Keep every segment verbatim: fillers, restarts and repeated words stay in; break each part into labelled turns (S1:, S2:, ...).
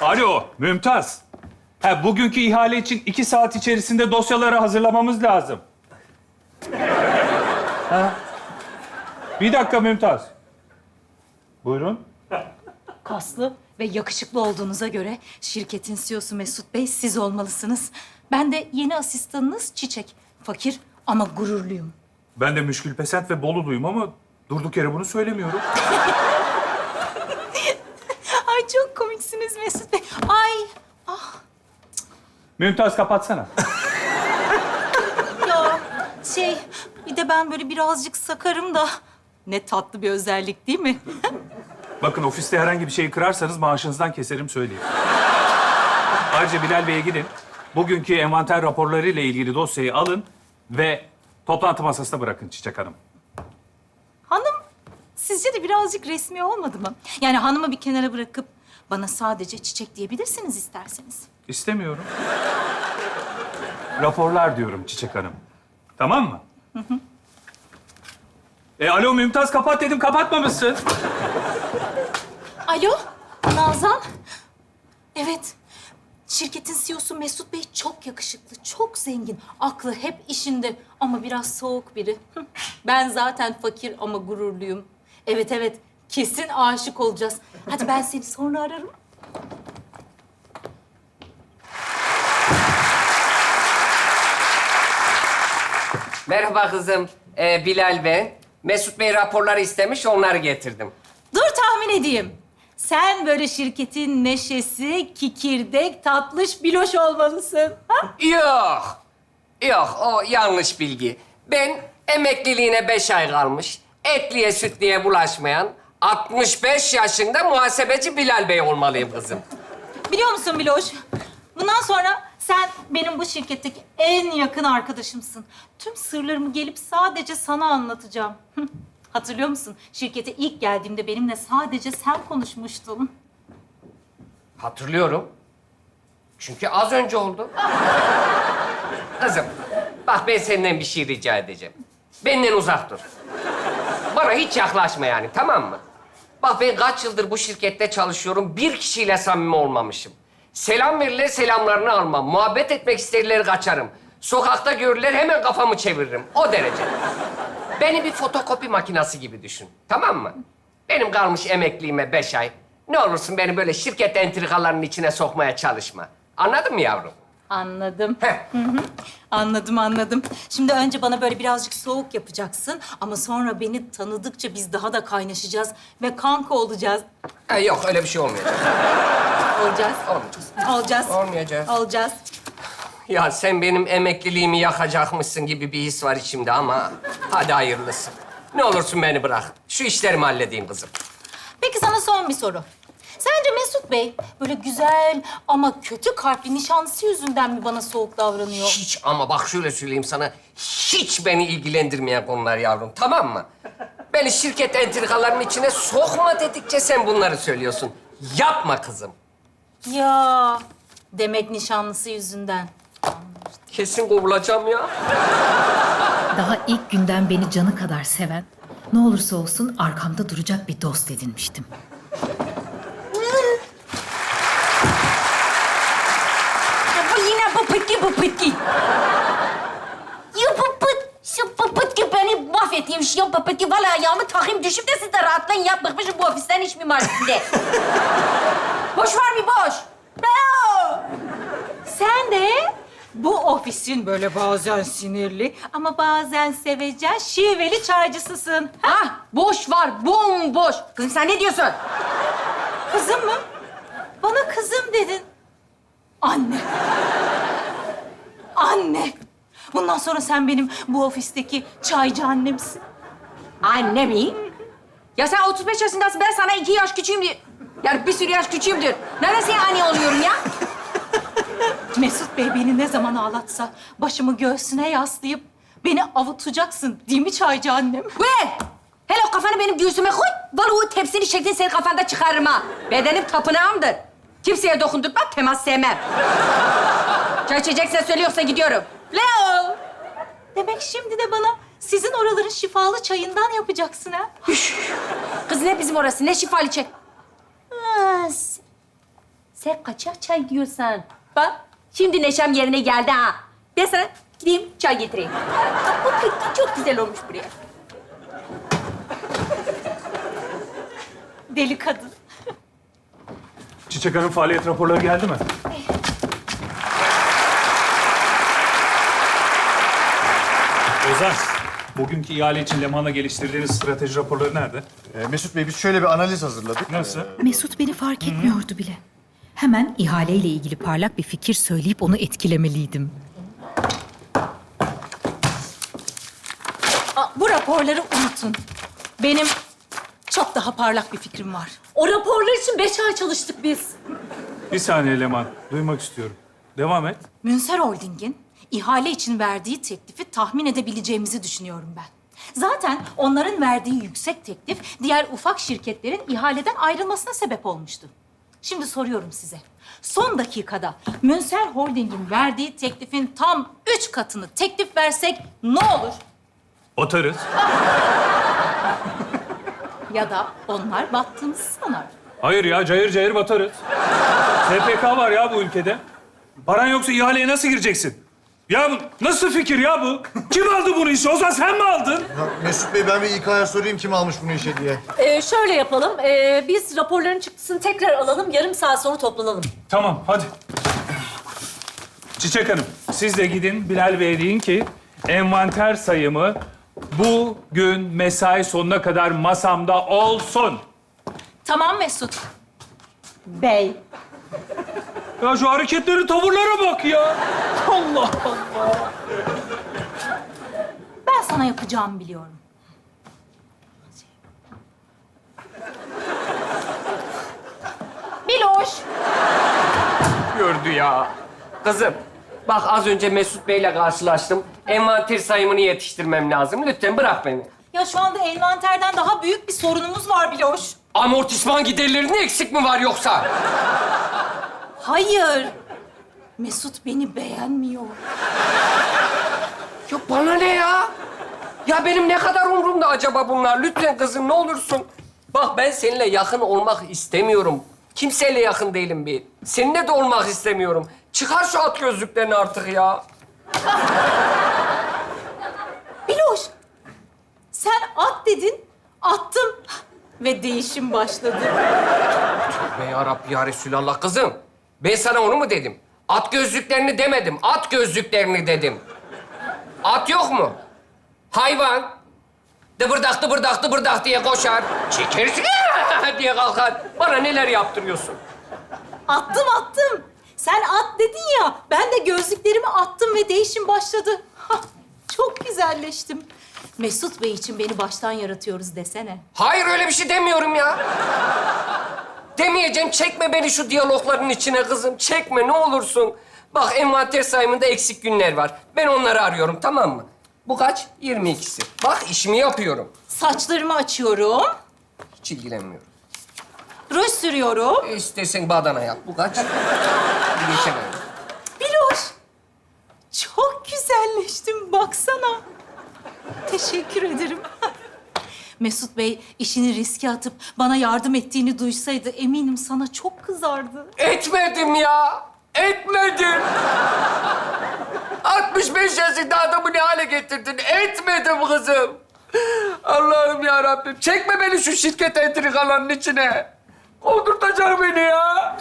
S1: Alo, Mümtaz. Ha, bugünkü ihale için iki saat içerisinde dosyaları hazırlamamız lazım. Ha? Bir dakika Mümtaz. Buyurun.
S2: Kaslı ve yakışıklı olduğunuza göre şirketin C E O'su Mesut Bey siz olmalısınız. Ben de yeni asistanınız Çiçek. Fakir ama gururluyum.
S1: Ben de müşkül pesent ve Bolulu'yum ama durduk yere bunu söylemiyorum.
S2: Ay çok komiksiniz Mesut Bey. Ay
S1: Mümtaz kapatsana.
S2: ya şey bir de ben böyle birazcık sakarım da ne tatlı bir özellik değil mi?
S1: Bakın ofiste herhangi bir şeyi kırarsanız maaşınızdan keserim söyleyeyim. Ayrıca Bilal Bey'e gidin. Bugünkü envanter raporları ile ilgili dosyayı alın ve toplantı masasına bırakın Çiçek Hanım.
S2: Hanım sizce de birazcık resmi olmadı mı? Yani hanımı bir kenara bırakıp bana sadece Çiçek diyebilirsiniz isterseniz.
S1: İstemiyorum. Raporlar diyorum Çiçek Hanım. Tamam mı? Hı hı. E alo Mümtaz kapat dedim kapatmamışsın.
S2: Alo, Nazan. Evet, şirketin C E O'su Mesut Bey çok yakışıklı, çok zengin. Aklı hep işinde ama biraz soğuk biri. Ben zaten fakir ama gururluyum. Evet, evet, kesin aşık olacağız. Hadi ben seni sonra ararım.
S3: Merhaba kızım. Ee, Bilal ben. Mesut Bey raporları istemiş, onları getirdim.
S2: Dur tahmin edeyim. Sen böyle şirketin neşesi, kikirdek, tatlış, biloş olmalısın. Ha?
S3: Yok. Yok, o yanlış bilgi. Ben emekliliğine beş ay kalmış, etliye sütliye bulaşmayan, altmış beş yaşında muhasebeci Bilal Bey olmalıyım kızım.
S2: Biliyor musun Biloş? Bundan sonra sen benim bu şirketteki en yakın arkadaşımsın. Tüm sırlarımı gelip sadece sana anlatacağım. Hatırlıyor musun? Şirkete ilk geldiğimde benimle sadece sen konuşmuştun.
S3: Hatırlıyorum. Çünkü az önce oldu. Kızım, bak ben senden bir şey rica edeceğim. Benden uzak dur. Bana hiç yaklaşma yani, tamam mı? Bak ben kaç yıldır bu şirkette çalışıyorum, bir kişiyle samimi olmamışım. Selam verirler, selamlarını almam. Muhabbet etmek isterler, kaçarım. Sokakta görürler, hemen kafamı çeviririm. O derece. Beni bir fotokopi makinesi gibi düşün, tamam mı? Benim kalmış emekliliğime beş ay. Ne olursun beni böyle şirket entrikalarının içine sokmaya çalışma. Anladın mı yavrum?
S2: Anladım.
S3: Heh.
S2: Anladım, anladım. Şimdi önce bana böyle birazcık soğuk yapacaksın. Ama sonra beni tanıdıkça biz daha da kaynaşacağız. Ve kanka olacağız.
S3: Ha, yok, öyle bir şey olmayacak.
S2: Olacağız.
S3: Olmayacağız.
S2: Olacağız.
S3: Olmayacak.
S2: Olacağız.
S3: Ya sen benim emekliliğimi yakacakmışsın gibi bir his var içimde ama hadi hayırlısı. Ne olursun beni bırak. Şu işlerimi halledeyim kızım.
S2: Peki sana son bir soru. Sence Mesut Bey böyle güzel ama kötü kalpli nişanlısı yüzünden mi bana soğuk davranıyor?
S3: Hiç ama bak şöyle söyleyeyim sana. Hiç beni ilgilendirmeyen konular yavrum, tamam mı? Beni şirket entrikalarının içine sokma dedikçe sen bunları söylüyorsun. Yapma kızım.
S2: Ya demek nişanlısı yüzünden.
S3: Kesin kovulacağım ya.
S4: Daha ilk günden beni canı kadar seven, ne olursa olsun arkamda duracak bir dost edinmiştim.
S2: Ya bu yine bu pıtki bu pıtki. Ya bu pıt, şu bu pıtki beni mahvetmiş. Ya bu pıtki valla ayağımı takayım düşüp de siz de rahatlayın ya. Bıkmışım bu ofisten iş mimarisinde. Boş var mı boş? Bravo. Sen de bu ofisin böyle bazen sinirli ama bazen sevecen şiveli çaycısısın. Ha?
S5: Ah, boş var, bomboş. Kızım sen ne diyorsun?
S2: Kızım mı? Bana kızım dedin. Anne. Anne. Bundan sonra sen benim bu ofisteki çaycı annemsin.
S5: Anne mi? Ya sen otuz beş yaşındasın, ben sana iki yaş küçüğüm. Yani bir sürü yaş küçüğümdür. Neresi anne oluyorum ya?
S2: Mesut Bey beni ne zaman ağlatsa başımı göğsüne yaslayıp beni avutacaksın değil mi çaycı annem?
S5: Ver! Hele o kafanı benim göğsüme koy. Vallahi o tepsinin şeklini senin kafanda çıkarırım ha. Bedenim tapınağımdır. Kimseye dokundurmam, temas sevmem. Çay içeceksen söyle, yoksa gidiyorum.
S2: Leo! Demek şimdi de bana sizin oraların şifalı çayından yapacaksın ha?
S5: Kız ne bizim orası, ne şifalı çay.
S2: Ha, s- Sen kaçak çay diyorsan. Bak, şimdi neşem yerine geldi ha. Ben sana gideyim çay getireyim. Bak, bu peki çok güzel olmuş buraya. Deli kadın.
S1: Çiçek Hanım faaliyet raporları geldi mi? Ozan, bugünkü ihale için Leman'la geliştirdiğiniz strateji raporları nerede?
S6: Ee, Mesut Bey, biz şöyle bir analiz hazırladık.
S1: Nasıl?
S4: Mesut beni fark etmiyordu bile. Hemen ihaleyle ilgili parlak bir fikir söyleyip onu etkilemeliydim.
S7: Aa, bu raporları unutun. Benim çok daha parlak bir fikrim var.
S2: O raporlar için beş ay çalıştık biz.
S1: Bir saniye Leman, duymak istiyorum. Devam et.
S7: Münser Holding'in ihale için verdiği teklifi tahmin edebileceğimizi düşünüyorum ben. Zaten onların verdiği yüksek teklif diğer ufak şirketlerin ihaleden ayrılmasına sebep olmuştu. Şimdi soruyorum size. Son dakikada Münser Holding'in verdiği teklifin tam üç katını teklif versek ne olur?
S1: Otarız.
S7: Ya da onlar battığımızı sanar.
S1: Hayır ya, cayır cayır batarız. S P K var ya bu ülkede. Paran yoksa ihaleye nasıl gireceksin? Ya bu nasıl fikir ya bu? Kim aldı bunu işi? Ozan sen mi aldın?
S6: Ya Mesut Bey, ben bir İK'ya sorayım kim almış bunu işe diye.
S2: Ee, şöyle yapalım. Ee, biz raporların çıktısını tekrar alalım. Yarım saat sonra toplanalım.
S1: Tamam, hadi. Çiçek Hanım, siz de gidin Bilal Bey'e deyin ki envanter sayımı bugün mesai sonuna kadar masamda olsun.
S7: Tamam Mesut.
S2: Bey.
S1: Ya şu hareketleri, tavırlara bak ya. Allah Allah.
S7: Ben sana yapacağımı biliyorum.
S2: Biloş.
S3: Gördü ya. Kızım, bak az önce Mesut Bey'le karşılaştım. Envanter sayımını yetiştirmem lazım. Lütfen bırak beni.
S7: Ya şu anda envanterden daha büyük bir sorunumuz var Biloş.
S3: Amortisman giderlerinde eksik mi var yoksa?
S7: Hayır. Mesut beni beğenmiyor.
S3: Ya bana ne ya? Ya benim ne kadar umurumda acaba bunlar? Lütfen kızım ne olursun. Bak ben seninle yakın olmak istemiyorum. Kimseyle yakın değilim bir. Seninle de olmak istemiyorum. Çıkar şu at gözlüklerini artık ya.
S7: Biloş, sen at dedin, attım ve değişim başladı.
S3: Be ya Rabbi ya Resulallah kızım. Ben sana onu mu dedim? At gözlüklerini demedim. At gözlüklerini dedim. At yok mu? Hayvan. Dıbırdak dıbırdak dıbırdak diye koşar. Çekersin diye kalkar. Bana neler yaptırıyorsun?
S7: Attım, attım. Sen at dedin ya, ben de gözlüklerimi attım ve değişim başladı. Hah, çok güzelleştim. Mesut Bey için beni baştan yaratıyoruz desene.
S3: Hayır öyle bir şey demiyorum ya. Demeyeceğim. Çekme beni şu diyalogların içine kızım. Çekme ne olursun. Bak envanter sayımında eksik günler var. Ben onları arıyorum tamam mı? Bu kaç? yirmi ikisi. Bak işimi yapıyorum.
S7: Saçlarımı açıyorum,
S3: Hiç ilgilenmiyorum.
S7: ruj sürüyorum.
S3: E, İstersen badana yap. Bu kaç? Geçemem.
S7: Biloş, çok güzelleştim baksana. Teşekkür ederim. Mesut Bey işini riske atıp bana yardım ettiğini duysaydı eminim sana çok kızardı.
S3: Etmedim ya. Etmedim. altmış beş yaşında adamı ne hale getirdin? Etmedim kızım. Allah'ım ya Rabbim. Çekme beni şu şirket entrikalarının içine. Kovdurtacak beni ya.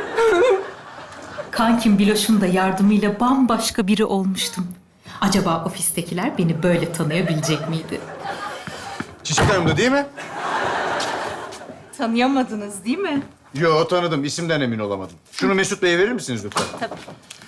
S4: Kankim Biloş'un da yardımıyla bambaşka biri olmuştum. Acaba ofistekiler beni böyle tanıyabilecek miydi?
S6: Çiçek Hanım da değil mi?
S7: Tanıyamadınız değil mi?
S6: Yo, tanıdım. İsimden emin olamadım. Şunu Mesut Bey'e verir misiniz lütfen?
S7: Tabii.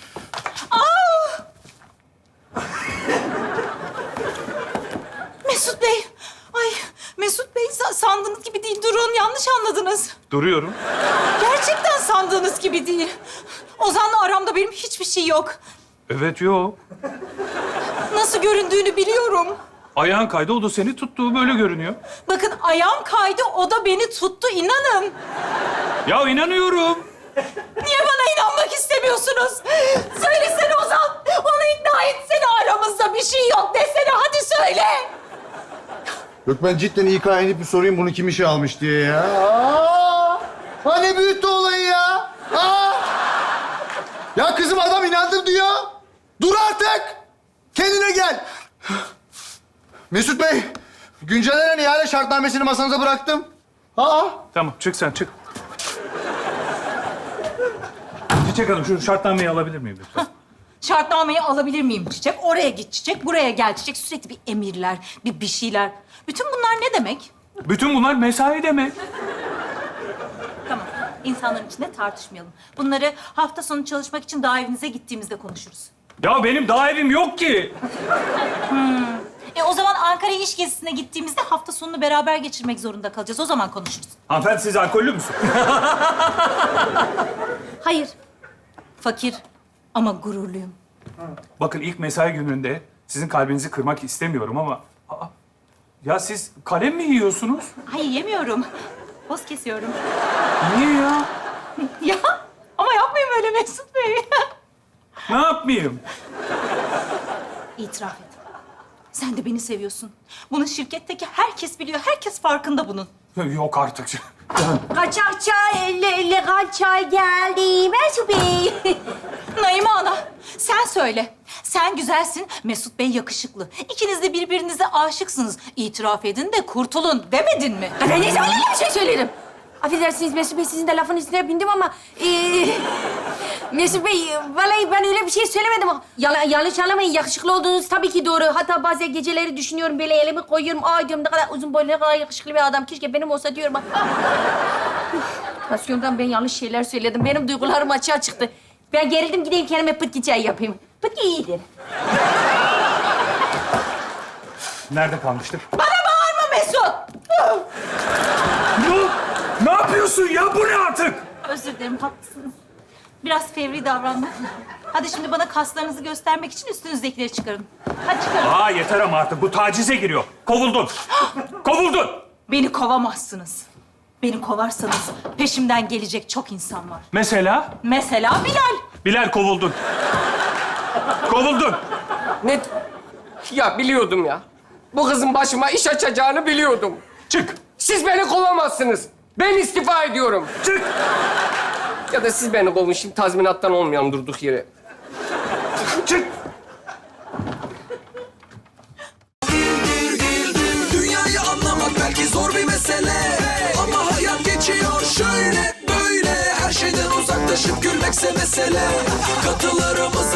S7: Mesut Bey, ay Mesut Bey sa- sandığınız gibi değil. Durun, yanlış anladınız.
S1: Duruyorum.
S7: Gerçekten sandığınız gibi değil. Ozan'la aramda benim hiçbir şey yok.
S1: Evet, yok.
S7: Nasıl göründüğünü biliyorum.
S1: Ayağın kaydı, o da seni tuttu. Böyle görünüyor.
S7: Bakın ayağım kaydı, o da beni tuttu. İnanın.
S1: Ya inanıyorum.
S7: Niye bana inanmak istemiyorsunuz? Söylesene Ozan. Onu ikna etsene, aramızda bir şey yok desene. Hadi söyle.
S6: Yok, ben cidden İK'ya inip bir sorayım bunu kim işe almış diye ya. Aa! Hani büyüttü olayı ya? Aa! Ya kızım adam inandırdı ya. Dur artık. Kendine gel. Mesut Bey, güncellenen ihale şartnamesini masanıza bıraktım. Aa!
S1: Tamam, çık sen, çık. Çiçek Hanım, şu şartnameyi alabilir miyim lütfen?
S7: Şartnameyi alabilir miyim Çiçek? Oraya git Çiçek, buraya gel Çiçek. Sürekli bir emirler, bir bir şeyler. Bütün bunlar ne demek?
S1: Bütün bunlar mesai demek.
S7: Tamam, insanların içinde tartışmayalım. Bunları hafta sonu çalışmak için daha evinize gittiğimizde konuşuruz.
S1: Ya benim daha evim yok ki.
S7: E o zaman Ankara iş gezisine gittiğimizde hafta sonunu beraber geçirmek zorunda kalacağız. O zaman konuşuruz.
S1: Hanımefendi, siz alkollü müsünüz?
S7: Hayır. Fakir ama gururluyum.
S1: Bakın, ilk mesai gününde sizin kalbinizi kırmak istemiyorum ama... Aa, ya siz kalem mi yiyorsunuz?
S7: Hayır, yemiyorum. Poz kesiyorum.
S1: Niye ya?
S7: Ya ama yapmayın öyle Mesut Bey.
S1: Ne yapmayayım?
S7: İtiraf et. Sen de beni seviyorsun. Bunu şirketteki herkes biliyor. Herkes farkında bunun.
S1: Yok artık.
S5: Kaçak çay, legal çay geldi Mesut Bey.
S7: Naime Ana, sen söyle. Sen güzelsin, Mesut Bey yakışıklı. İkiniz de birbirinize aşıksınız. İtiraf edin de kurtulun demedin mi?
S5: Ben ne zaman öyle bir şey söylerim? Affedersiniz Mesut Bey, sizin de lafın üstüne bindim ama... Ee, Mesut Bey, vallahi ben öyle bir şey söylemedim. Yala, yanlış anlamayın, yakışıklı olduğunuz tabii ki doğru. Hatta bazen geceleri düşünüyorum, böyle elimi koyuyorum. Ay diyorum, ne kadar uzun boylu, ne kadar yakışıklı bir adam. Keşke benim olsa diyorum. Tansiyondan ben yanlış şeyler söyledim. Benim duygularım açığa çıktı. Ben gerildim, gideyim kendime pıtki çay yapayım. Pıtki iyidir.
S1: Nerede kalmıştık?
S7: Bana bağırma Mesut!
S1: Ne? Ne yapıyorsun ya? Bu ne artık?
S7: Özür dilerim, haklısınız. Biraz fevri davrandım. Hadi şimdi bana kaslarınızı göstermek için üstünüzdekileri çıkarın. Hadi çıkarın.
S1: Aa, yeter ama artık. Bu tacize giriyor. Kovuldun. Kovuldun.
S7: Beni kovamazsınız. Beni kovarsanız peşimden gelecek çok insan var.
S1: Mesela?
S7: Mesela Bilal.
S1: Bilal, kovuldun. Kovuldun.
S3: Ne? Ya biliyordum ya. Bu kızın başıma iş açacağını biliyordum.
S1: Çık.
S3: Siz beni kovamazsınız. Ben istifa ediyorum.
S1: Çık.
S3: Ya da siz beni kovun. Şimdi tazminattan olmayalım durduk yere.
S1: Çık.
S8: Dünyayı anlamak belki zor bir mesele, ama hayat geçiyor şöyle böyle. Her şeyden uzaklaşıp gülmekse mesele. Katılarımız